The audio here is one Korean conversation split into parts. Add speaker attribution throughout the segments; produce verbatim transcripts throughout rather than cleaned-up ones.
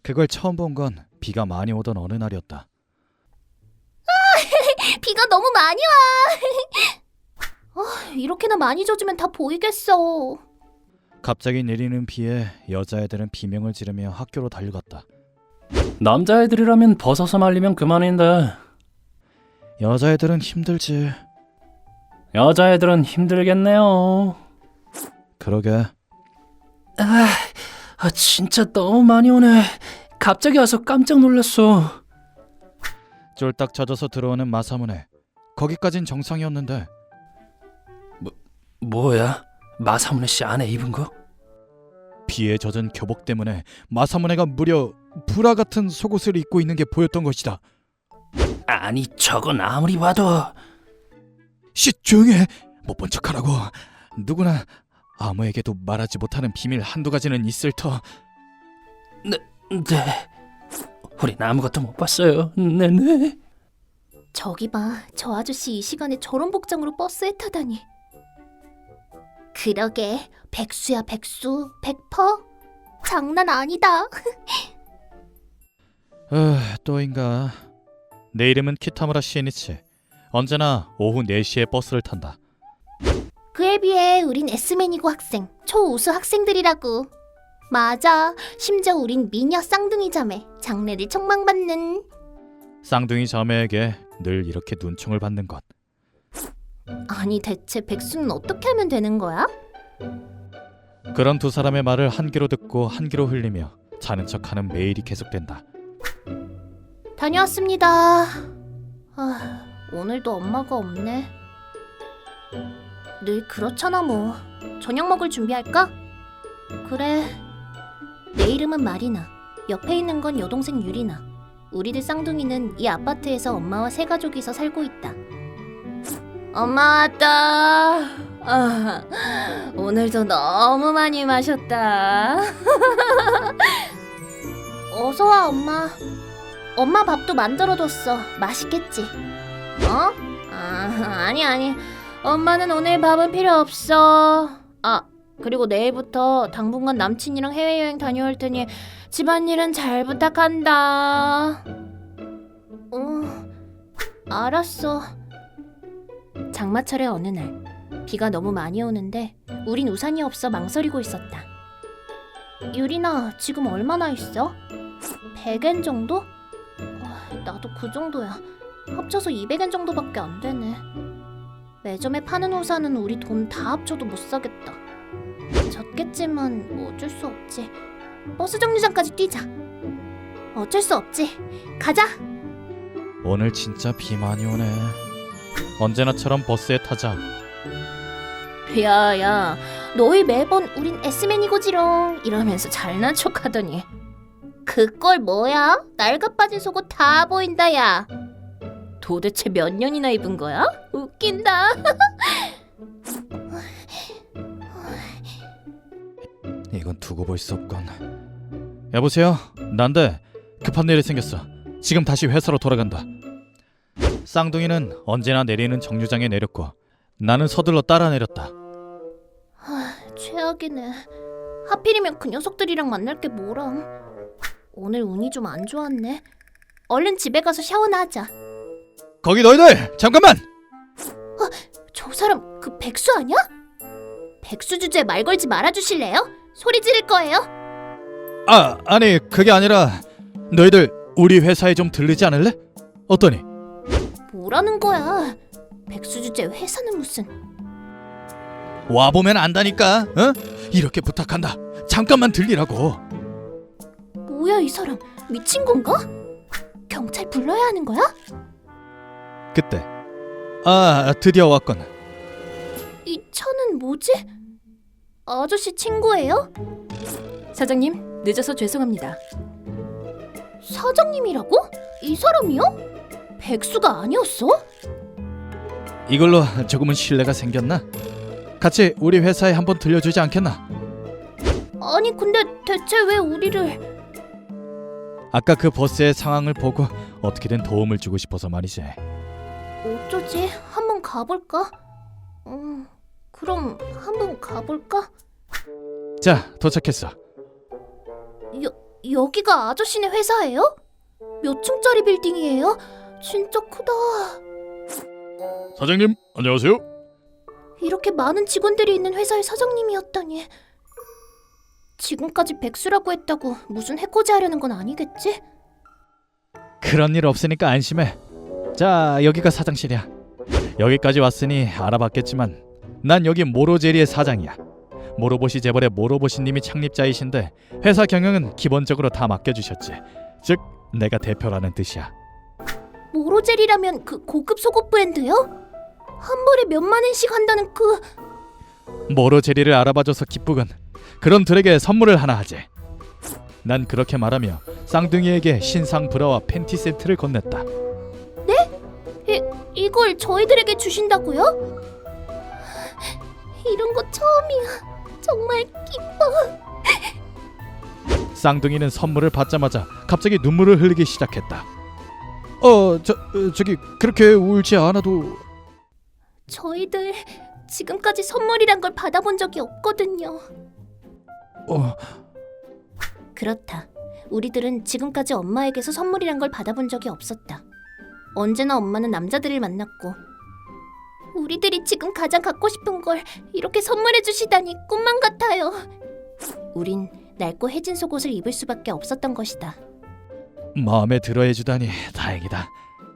Speaker 1: 그걸 처음 본 건 비가 많이 오던 어느 날이었다.
Speaker 2: 비가 너무 많이 와. 아, 이렇게나 많이 젖으면 다 보이겠어.
Speaker 1: 갑자기 내리는 비에 여자애들은 비명을 지르며 학교로 달려갔다.
Speaker 3: 남자애들이라면 벗어서 말리면 그만인데
Speaker 1: 여자애들은 힘들지.
Speaker 3: 여자애들은 힘들겠네요.
Speaker 1: 그러게.
Speaker 3: 아, 아 진짜 너무 많이 오네. 갑자기 와서 깜짝 놀랐어.
Speaker 1: 쫄딱 젖어서 들어오는 마사무네. 거기까진 정상이었는데.
Speaker 3: 뭐야? 마사무네 씨 안에 입은 거?
Speaker 1: 비에 젖은 교복 때문에 마사무네가 무려 브라 같은 속옷을 입고 있는 게 보였던 것이다.
Speaker 3: 아니 저건 아무리 봐도.
Speaker 1: 쉿, 조용히 해. 못 본 척하라고. 누구나 아무에게도 말하지 못하는 비밀 한두 가지는 있을 터.
Speaker 3: 네, 네. 우린 아무것도 못 봤어요. 네네.
Speaker 2: 저기 봐, 저 아저씨 이 시간에 저런 복장으로 버스에 타다니. 그러게, 백수야 백수, 백퍼? 장난 아니다.
Speaker 1: 어, 또인가. 내 이름은 키타무라 시에니치. 언제나 오후 네 시에 버스를 탄다.
Speaker 2: 그에 비해 우린 S맨이고 학생, 초우수 학생들이라고. 맞아, 심지어 우린 미녀 쌍둥이 자매, 장래를 촉망받는.
Speaker 1: 쌍둥이 자매에게 늘 이렇게 눈총을 받는 것.
Speaker 2: 아니 대체 백수는 어떻게 하면 되는 거야?
Speaker 1: 그런 두 사람의 말을 한 귀로 듣고 한 귀로 흘리며 자는 척하는 매일이 계속된다.
Speaker 2: 다녀왔습니다. 아, 오늘도 엄마가 없네. 늘 그렇잖아 뭐. 저녁 먹을 준비할까? 그래. 내 이름은 마리나. 옆에 있는 건 여동생 유리나. 우리들 쌍둥이는 이 아파트에서 엄마와 세 가족이서 살고 있다. 엄마 왔다. 아, 오늘도 너무 많이 마셨다. 어서 와 엄마. 엄마 밥도 만들어뒀어. 맛있겠지? 어? 아, 아니 아니. 엄마는 오늘 밥은 필요 없어. 아, 그리고 내일부터 당분간 남친이랑 해외여행 다녀올 테니 집안일은 잘 부탁한다. 어, 알았어. 장마철의 어느 날 비가 너무 많이 오는데 우린 우산이 없어 망설이고 있었다. 유리나 지금 얼마나 있어? 백엔 정도? 어, 나도 그 정도야. 합쳐서 이백엔 정도밖에 안 되네. 매점에 파는 우산은 우리 돈 다 합쳐도 못 사겠다. 졌겠지만 뭐 어쩔 수 없지. 버스 정류장까지 뛰자. 어쩔 수 없지. 가자.
Speaker 1: 오늘 진짜 비 많이 오네. 언제나처럼 버스에 타자.
Speaker 2: 야야, 너희 매번 우린 S맨이고지롱 이러면서 잘난 척하더니 그꼴 뭐야? 낡아 빠진 속옷 다 보인다 야. 도대체 몇 년이나 입은 거야? 웃긴다.
Speaker 1: 이건 두고 볼 수 없건. 여보세요? 난데 급한 일이 생겼어. 지금 다시 회사로 돌아간다. 쌍둥이는 언제나 내리는 정류장에 내렸고 나는 서둘러 따라 내렸다.
Speaker 2: 하, 최악이네. 하필이면 그 녀석들이랑 만날 게 뭐람. 오늘 운이 좀 안 좋았네. 얼른 집에 가서 샤워나 하자.
Speaker 1: 거기 너희들! 잠깐만!
Speaker 2: 어, 저 사람 그 백수 아니야? 백수 주제에 말 걸지 말아주실래요? 소리 지를 거예요.
Speaker 1: 아, 아니 그게 아니라 너희들 우리 회사에 좀 들르지 않을래? 어떠니?
Speaker 2: 뭐라는 거야? 백수 주제 회사는 무슨.
Speaker 1: 와보면 안다니까. 어? 이렇게 부탁한다. 잠깐만 들리라고.
Speaker 2: 뭐야 이 사람, 미친 건가? 경찰 불러야 하는 거야?
Speaker 1: 그때 아 드디어 왔군.
Speaker 2: 이 차는 뭐지? 아저씨 친구예요?
Speaker 4: 사장님, 늦어서 죄송합니다.
Speaker 2: 사장님이라고? 이 사람이요? 백수가 아니었어?
Speaker 1: 이걸로 조금은 신뢰가 생겼나? 같이 우리 회사에 한번 들려주지 않겠나?
Speaker 2: 아니 근데 대체 왜 우리를...
Speaker 1: 아까 그 버스의 상황을 보고 어떻게든 도움을 주고 싶어서 말이지.
Speaker 2: 어쩌지? 한번 가볼까? 음, 그럼 한번 가볼까?
Speaker 1: 자, 도착했어.
Speaker 2: 여, 여기가 아저씨네 회사예요? 몇 층짜리 빌딩이에요? 진짜 크다.
Speaker 1: 사장님, 안녕하세요.
Speaker 2: 이렇게 많은 직원들이 있는 회사의 사장님이었다니. 지금까지 백수라고 했다고 무슨 해코지 하려는 건 아니겠지?
Speaker 1: 그런 일 없으니까 안심해. 자, 여기가 사장실이야. 여기까지 왔으니 알아봤겠지만 난 여기 모로제리의 사장이야. 모로보시 재벌의 모로보시님이 창립자이신데 회사 경영은 기본적으로 다 맡겨주셨지. 즉, 내가 대표라는 뜻이야.
Speaker 2: 모로젤이라면 그 고급 속옷 브랜드요? 한 벌에 몇만 원씩 한다는 그...
Speaker 1: 모로제리를 알아봐줘서 기쁘군. 그런 들에게 선물을 하나 하지. 난 그렇게 말하며 쌍둥이에게 신상 브라와 팬티 세트를 건넸다.
Speaker 2: 이, 이걸 저희들에게 주신다고요? 이런 거 처음이야. 정말 기뻐.
Speaker 1: 쌍둥이는 선물을 받자마자 갑자기 눈물을 흘리기 시작했다. 어, 저, 어, 저기 그렇게 울지 않아도...
Speaker 2: 저희들 지금까지 선물이란 걸 받아본 적이 없거든요.
Speaker 1: 어...
Speaker 2: 그렇다. 우리들은 지금까지 엄마에게서 선물이란 걸 받아본 적이 없었다. 언제나 엄마는 남자들을 만났고 우리들이 지금 가장 갖고 싶은 걸 이렇게 선물해 주시다니 꿈만 같아요. 우린 낡고 해진 속옷을 입을 수밖에 없었던 것이다.
Speaker 1: 마음에 들어해주다니 다행이다.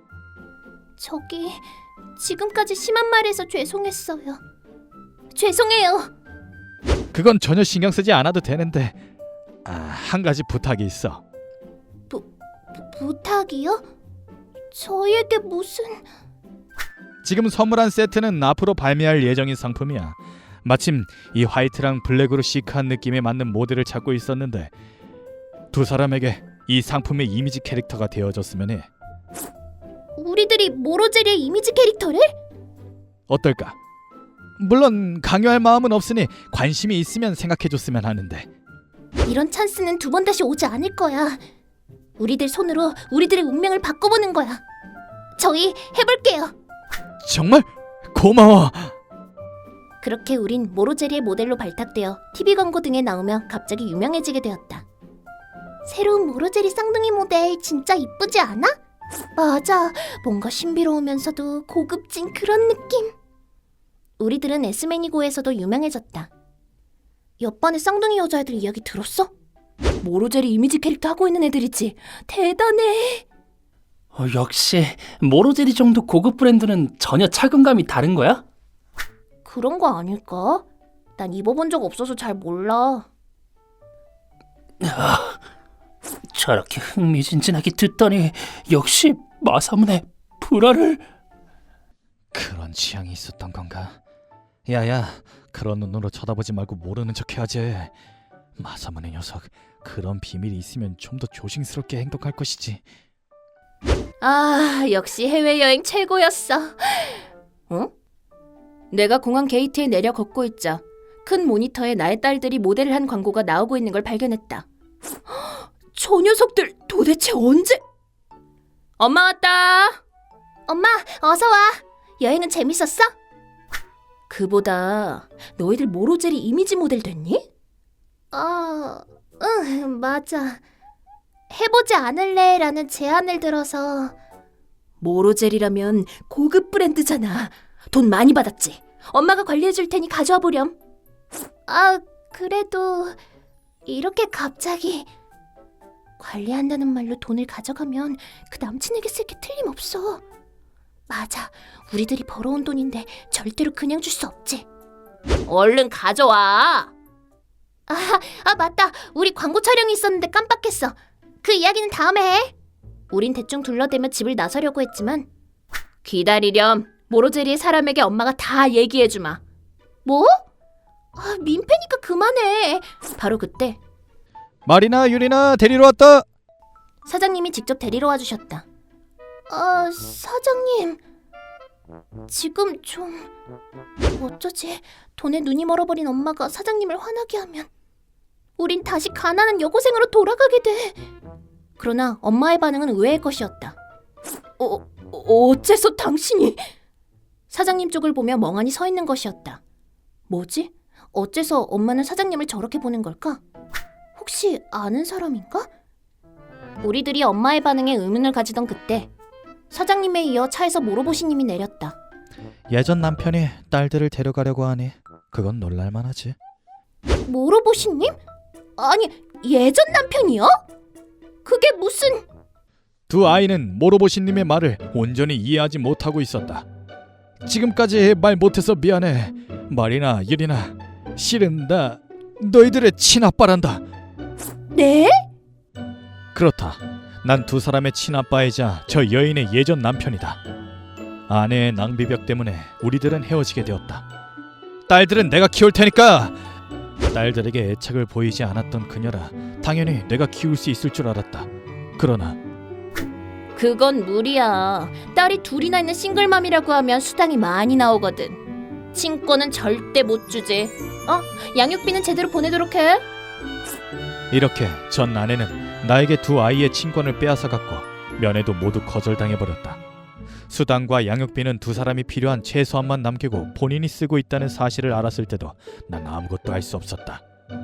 Speaker 2: 저기 지금까지 심한 말해서 죄송했어요. 죄송해요.
Speaker 1: 그건 전혀 신경 쓰지 않아도 되는데 아, 한 가지 부탁이 있어.
Speaker 2: 부, 부탁이요? 저희에게 무슨...
Speaker 1: 지금 선물한 세트는 앞으로 발매할 예정인 상품이야. 마침 이 화이트랑 블랙으로 시크한 느낌에 맞는 모델을 찾고 있었는데 두 사람에게 이 상품의 이미지 캐릭터가 되어줬으면 해.
Speaker 2: 우리들이 모로제리의 이미지 캐릭터를?
Speaker 1: 어떨까? 물론 강요할 마음은 없으니 관심이 있으면 생각해줬으면 하는데.
Speaker 2: 이런 찬스는 두 번 다시 오지 않을 거야. 우리들 손으로 우리들의 운명을 바꿔보는 거야. 저희 해볼게요.
Speaker 1: 정말? 고마워.
Speaker 2: 그렇게 우린 모로제리의 모델로 발탁되어 티비 광고 등에 나오며 갑자기 유명해지게 되었다. 새로운 모로제리 쌍둥이 모델 진짜 이쁘지 않아? 맞아. 뭔가 신비로우면서도 고급진 그런 느낌. 우리들은 에스매니고에서도 유명해졌다. 옆반의 쌍둥이 여자애들 이야기 들었어?
Speaker 4: 모로제리 이미지 캐릭터 하고 있는 애들이지.
Speaker 2: 대단해.
Speaker 3: 어, 역시 모로제리 정도 고급 브랜드는 전혀 착용감이 다른 거야?
Speaker 2: 그런 거 아닐까? 난 입어본 적 없어서 잘 몰라.
Speaker 3: 저렇게 흥미진진하게 듣더니 역시 마사문의 불화를...
Speaker 1: 그런 취향이 있었던 건가? 야야, 그런 눈으로 쳐다보지 말고 모르는 척 해야지. 마사문의 녀석, 그런 비밀이 있으면 좀 더 조심스럽게 행동할 것이지.
Speaker 4: 아, 역시 해외여행 최고였어. 어? 내가 공항 게이트에 내려 걷고 있자 큰 모니터에 나의 딸들이 모델을 한 광고가 나오고 있는 걸 발견했다. 저 녀석들 도대체 언제... 엄마 왔다.
Speaker 2: 엄마, 어서 와. 여행은 재밌었어?
Speaker 4: 그보다 너희들 모로제리 이미지 모델 됐니?
Speaker 2: 어, 응, 맞아. 해보지 않을래? 라는 제안을 들어서.
Speaker 4: 모로제리라면 고급 브랜드잖아. 돈 많이 받았지? 엄마가 관리해줄 테니 가져와 보렴.
Speaker 2: 아, 그래도 이렇게 갑자기 관리한다는 말로 돈을 가져가면 그 남친에게 쓸 게 틀림없어. 맞아, 우리들이 벌어온 돈인데 절대로 그냥 줄 수 없지.
Speaker 4: 얼른 가져와.
Speaker 2: 아, 아 맞다. 우리 광고 촬영이 있었는데 깜빡했어. 그 이야기는 다음에 해. 우린 대충 둘러대며 집을 나서려고 했지만
Speaker 4: 기다리렴. 모로제리의 사람에게 엄마가 다 얘기해주마.
Speaker 2: 뭐? 아, 민폐니까 그만해.
Speaker 4: 바로 그때
Speaker 1: 마리나, 유리나 데리러 왔다.
Speaker 2: 사장님이 직접 데리러 와주셨다. 아, 사장님. 지금 좀... 어쩌지? 돈에 눈이 멀어버린 엄마가 사장님을 화나게 하면 우린 다시 가난한 여고생으로 돌아가게 돼. 그러나 엄마의 반응은 의외의 것이었다.
Speaker 4: 어, 어째서 당신이...
Speaker 2: 사장님 쪽을 보며 멍하니 서 있는 것이었다. 뭐지? 어째서 엄마는 사장님을 저렇게 보는 걸까? 혹시 아는 사람인가? 우리들이 엄마의 반응에 의문을 가지던 그때 사장님에 이어 차에서 모로보시님이 내렸다.
Speaker 1: 예전 남편이 딸들을 데려가려고 하니 그건 놀랄만하지.
Speaker 2: 모로보시님? 아니, 예전 남편이요? 그게 무슨...
Speaker 1: 두 아이는 모로보시님의 말을 온전히 이해하지 못하고 있었다. 지금까지 말 못해서 미안해. 말이나 일이나 실은 나 너희들의 친아빠란다.
Speaker 2: 네?
Speaker 1: 그렇다. 난 두 사람의 친아빠이자 저 여인의 예전 남편이다. 아내의 낭비벽 때문에 우리들은 헤어지게 되었다. 딸들은 내가 키울 테니까. 딸들에게 애착을 보이지 않았던 그녀라 당연히 내가 키울 수 있을 줄 알았다. 그러나
Speaker 4: 그건 무리야. 딸이 둘이나 있는 싱글맘이라고 하면 수당이 많이 나오거든. 친권은 절대 못 주지. 어? 양육비는 제대로 보내도록 해.
Speaker 1: 이렇게 전 아내는 나에게 두 아이의 친권을 빼앗아갔고 면회도 모두 거절당해버렸다. 수당과 양육비는 두 사람이 필요한 최소한만 남기고 본인이 쓰고 있다는 사실을 알았을 때도 난 아무것도 할 수 없었다.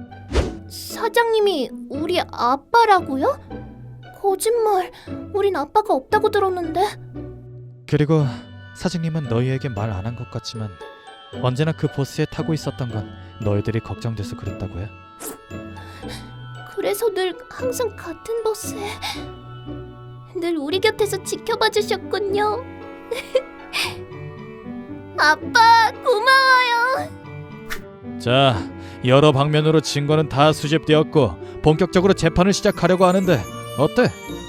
Speaker 2: 사장님이 우리 아빠라고요? 거짓말. 우린 아빠가 없다고 들었는데.
Speaker 1: 그리고 사장님은 너희에게 말 안 한 것 같지만 언제나 그 버스에 타고 있었던 건 너희들이 걱정돼서 그랬다고 해.
Speaker 2: 그래서 늘 항상 같은 버스에 늘 우리 곁에서 지켜봐 주셨군요. 아빠 고마워요.
Speaker 1: 자, 여러 방면으로 증거는 다 수집되었고 본격적으로 재판을 시작하려고 하는데 어때?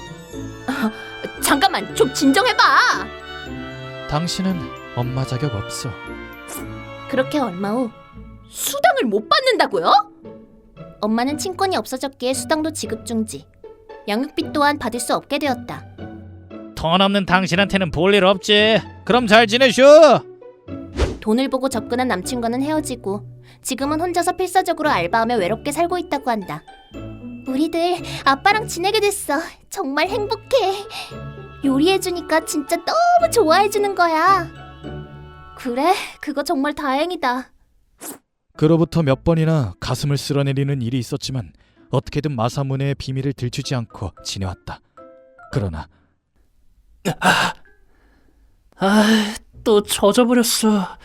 Speaker 4: 잠깐만, 좀 진정해봐.
Speaker 1: 당신은 엄마 자격 없어.
Speaker 2: 그렇게 얼마 후
Speaker 4: 수당을 못 받는다고요?
Speaker 2: 엄마는 친권이 없어졌기에 수당도 지급 중지. 양육비 또한 받을 수 없게 되었다.
Speaker 1: 돈 없는 당신한테는 볼 일 없지. 그럼 잘 지내쇼.
Speaker 2: 돈을 보고 접근한 남친과는 헤어지고 지금은 혼자서 필사적으로 알바하며 외롭게 살고 있다고 한다. 우리들 아빠랑 지내게 됐어. 정말 행복해. 요리해주니까 진짜 너무 좋아해주는 거야. 그래, 그거 정말 다행이다.
Speaker 1: 그로부터 몇 번이나 가슴을 쓸어내리는 일이 있었지만 어떻게든 마사무네의 비밀을 들추지 않고 지내왔다. 그러나
Speaker 3: 아, 또 젖어버렸어. 야,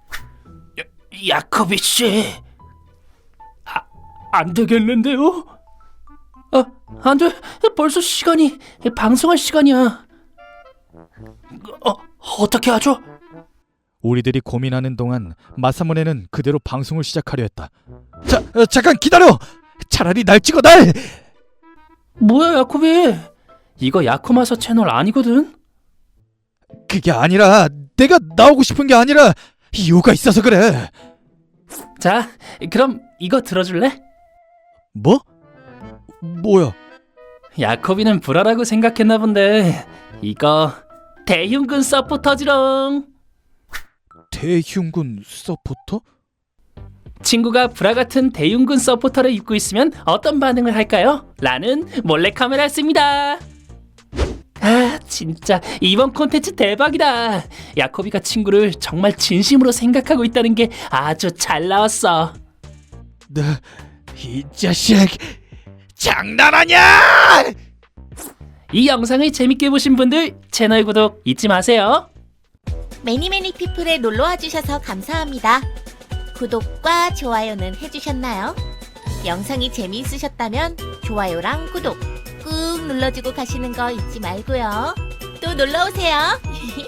Speaker 3: 야코비 씨, 아, 안 되겠는데요? 아, 안 돼. 벌써 시간이 방송할 시간이야. 어, 어떻게 하죠?
Speaker 1: 우리들이 고민하는 동안 마사무네는 그대로 방송을 시작하려 했다. 자, 어, 잠깐 기다려. 차라리 날 찍어 날.
Speaker 3: 뭐야, 야코비? 이거 야코마사 채널 아니거든?
Speaker 1: 그게 아니라 내가 나오고 싶은 게 아니라 이유가 있어서 그래.
Speaker 3: 자, 그럼 이거 들어줄래?
Speaker 1: 뭐? 뭐야?
Speaker 3: 야코비는 불화라고 생각했나 본데 이거 대흉근 서포터지롱.
Speaker 1: 대흉군 서포터?
Speaker 3: 친구가 불화 같은 대흉근 서포터를 입고 있으면 어떤 반응을 할까요? 라는 몰래카메라를 씁니다. 아, 진짜 이번 콘텐츠 대박이다. 야코비가 친구를 정말 진심으로 생각하고 있다는 게 아주 잘 나왔어.
Speaker 1: 너 이 자식 장난하냐?
Speaker 3: 이 영상을 재밌게 보신 분들 채널 구독 잊지 마세요.
Speaker 5: 매니매니 피플에 놀러와 주셔서 감사합니다. 구독과 좋아요는 해주셨나요? 영상이 재미있으셨다면 좋아요랑 구독 꾹 눌러주고 가시는 거 잊지 말고요. 또 놀러오세요.